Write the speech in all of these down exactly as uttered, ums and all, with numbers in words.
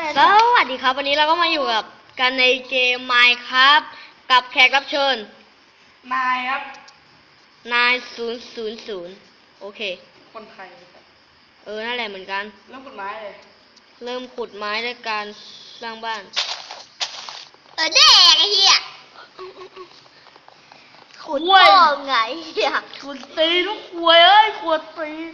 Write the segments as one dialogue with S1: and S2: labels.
S1: สวัสดีครับวันนี้เราก็มาอยู่กับกันในเกม Minecraft กับแขกรับเชิญ
S2: นายครับ
S1: นายศูนย์ศูนย์ศูนย์โอเค
S2: คนไทยครับ
S1: เออนั่นแหละเหมือนกัน
S2: เริ่มขุดไม้เลย
S1: เริ่มขุดไม้ด้วยการสร้างบ้าน
S3: เออแดกไอ้เหี้ยขุดพ่อไงเหี้ย
S2: ขุดตีนทุกขวยเอ้ยขุดตีน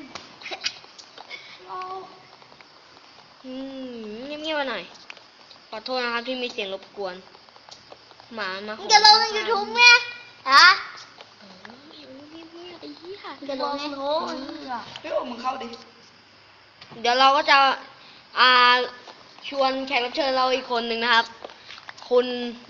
S1: อืมเงียบๆมาหน่อยขอโทษนะครับที่มีเสียงรบกวนหมามา
S3: มึงจะลงในยูทูบไหมฮะ
S1: เอออยู่เงียบๆไอ้เหี้ย
S3: มึงจะลงในโน้ต
S2: เฮ้ยโอ้มึงเข้าดิ
S1: เดี๋ยวเราก็จะอ่าชวนแขกรับเชิญเราอีกคนหนึ่งนะครับคุณ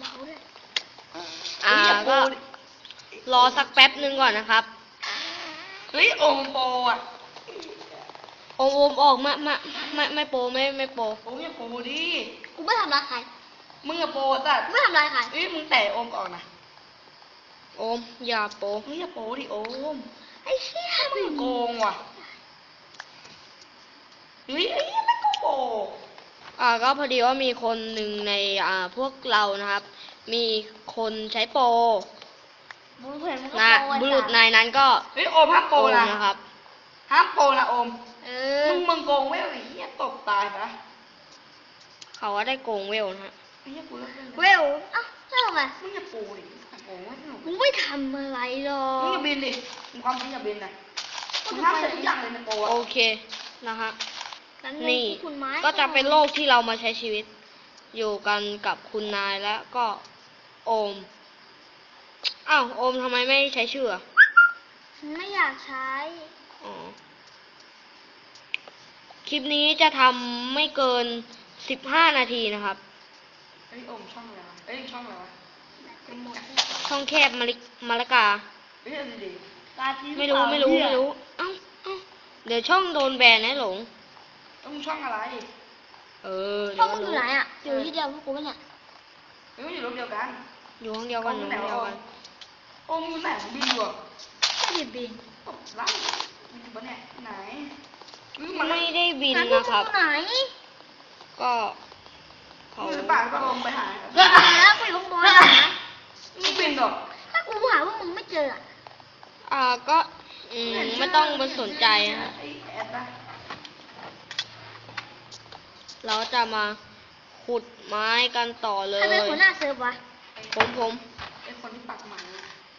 S1: อ่าก็รอสักแป๊บหนึ่งก่อนนะครับ
S2: เฮ้ยโอมโปอ่ะ
S1: โอมโอมออกมามาไม่ไม่โปรไม่ไม่โปร
S2: โอมอย่าโปดิ
S3: กูไม่ทำร้ายใคร
S2: มึงอย่าโปสัตว์
S3: กูไม่ทำร้ายใคร
S2: เฮ้ยมึงแตะโอมก่อนนะ
S1: โอมอย่าโปร
S2: มึงอย่าโปดิโอม
S3: ไอ้เหี้ย
S2: มึงโกงว่ะเฮ้ยไอ้เหี้ยไม่ก็โป
S1: อ่าก็พอดีว่ามีคนหนึ่งในอ่าพวกเรานะครับ มีคนใช้โปร
S3: มึงเห็นมึงก็
S1: นะ
S3: โปร
S1: บุรุษนายนั้นก็
S2: เฮ้ยโอมห้ามโป
S1: โอม
S2: นะ
S1: นะครับ
S2: ห้ามโปนะโอม
S3: เออ
S2: มึงมึงโกงเว้ยไอ้เหี้ยตกตายปะ
S1: เขาว่าได้โกงเวลนะฮะ
S2: ไอ้เหี้ยกูเลิกเล่น
S3: เวลเอ้าแล้วทำไม
S2: มึงอย่าโปดิโกงไม่สนุก
S3: มึงไม่ทำอะไรหรอ
S2: มึงอย่าบินดิมึงความจริงอย่าบินนะมึงห้ามใช้ทุกอย่างเลยในโปอะ
S1: โอเคนะฮะ
S3: งั้
S1: นี่
S3: คุณไม้
S1: ก็จะเป็นโลกที่เรามาใช้ชีวิต อยู่กันกับคุณนายและก็โอมอ้าวโอมทำไมไม่ใช้ชื่ออ่ะ
S3: ฉันไม่อยากใช้
S1: อ๋อคลิปนี้จะทำไม่เกินสิบห้านาทีนะครับ
S2: เอ้ยโอมช่องอะไรวะเอ้ยช่องอะไรวะ
S1: ช่องแคบมะลิมะละกา
S2: เฮ้ยเอาดีๆตาที่
S1: ไม่รู้ไม่รู้ไม่รู้ เอ้าเอ้าเดี๋ยวช่องโดนแบนนะหลง
S2: ต้องช่องอะไร
S1: เออ
S3: พ่
S1: เดี๋
S3: อ
S1: ยว
S3: มึ
S1: ก็
S3: งอยู่
S1: รู้
S3: ไหนอ่ะอยู่ที่เดียวพวกกูปะเนี่ย
S2: เฮ้ยมันอยู่รูปเดียวกัน
S1: อยู่ห้องเดียวกันอยู่ห้องเดียวกัน
S2: โอมอยู่ไหนของบินอยู่อะ
S3: ไม่ได้บิน
S2: ตกไล่บินอยู่ปะเนี่ยไหนเฮ้ย
S1: ไม่ได้บิน
S3: งั้นพวก
S1: นะครับ
S3: มึงไหน
S1: ก็เขา
S2: มือปากก็ลงไปหา
S3: เดี๋ยวแล้วกูอยู่ข้างบนนะ
S2: ไม่บินหรอก
S3: ถ้ากูหาว่ามึงไม่เจออะ
S1: อ่าก็อืมไม่ต้องไปสนใจนะฮะ
S2: ไอ้แอดนะ
S1: เราจะมาขุดไม้กันต่อเลย
S3: ใครเป็นหัวหน้าเซิร์ฟวะ
S1: ผมผม
S2: ไอ้คนที่ปักหมัน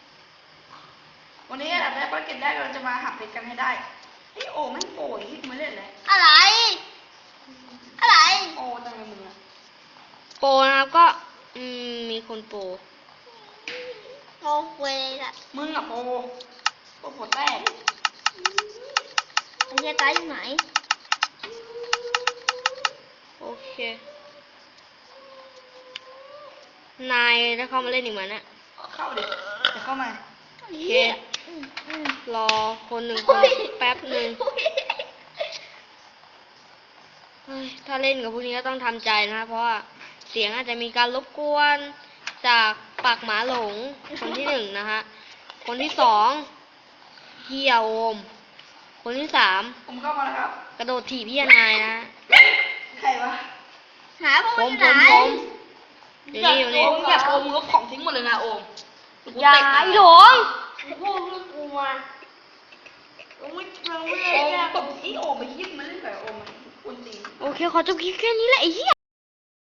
S2: วันนี้อันดับแรกภารกิจแรกเราจะมาหักเพชรกันให้ได้ไอ้โอไม่โปยที่มาเล่นเลย
S3: อะไร อะไร
S2: โอจังเลยมึงอะ
S1: โปรนะครับก็อืมมีคนโปร
S3: งงเว้ยละ
S2: มึงอะโปโปหัวแตก
S3: ไอ้เหี้ยตายอยู่ไหน
S1: โอเค นายได้เข้ามาเล่นอีกไหมเนี่ย
S2: เข้าดิจะเข้ามา
S1: โอเค
S3: อืมอืม
S1: รอคนหนึ่งคนแป๊บหนึ่งเฮ้ยถ้าเล่นกับพวกนี้ก็ต้องทำใจนะเพราะว่าเสียงอาจจะมีการรบกวนจากปากหมาหลงคนที่หนึ่งนะฮะคนที่สองเฮียโอม คนที่สาม
S2: ผมเข้ามาแล้วครับ
S1: กระโดดถีบพี่นายนะ
S2: ใครวะ
S3: หาพวก
S1: ผ
S3: มึ
S1: ม
S3: งอ
S1: ผ
S3: ยู่
S1: ม
S3: ไหน
S1: ผมเดี๋ยวนี้อยู่นี่
S2: โอมอยากโอมมึงลบของทิ้งหมดเลยนะโอม
S1: อย่าไอ้หลง
S2: พวกเรื่องกูมาโอ้ยเราไม่ได้โอมตบที่โอมไปยิบมันเล่นแบบโอมมันควรตี
S1: โอเคขอจบคลิปแค่นี้แหละไอ้เหี้ย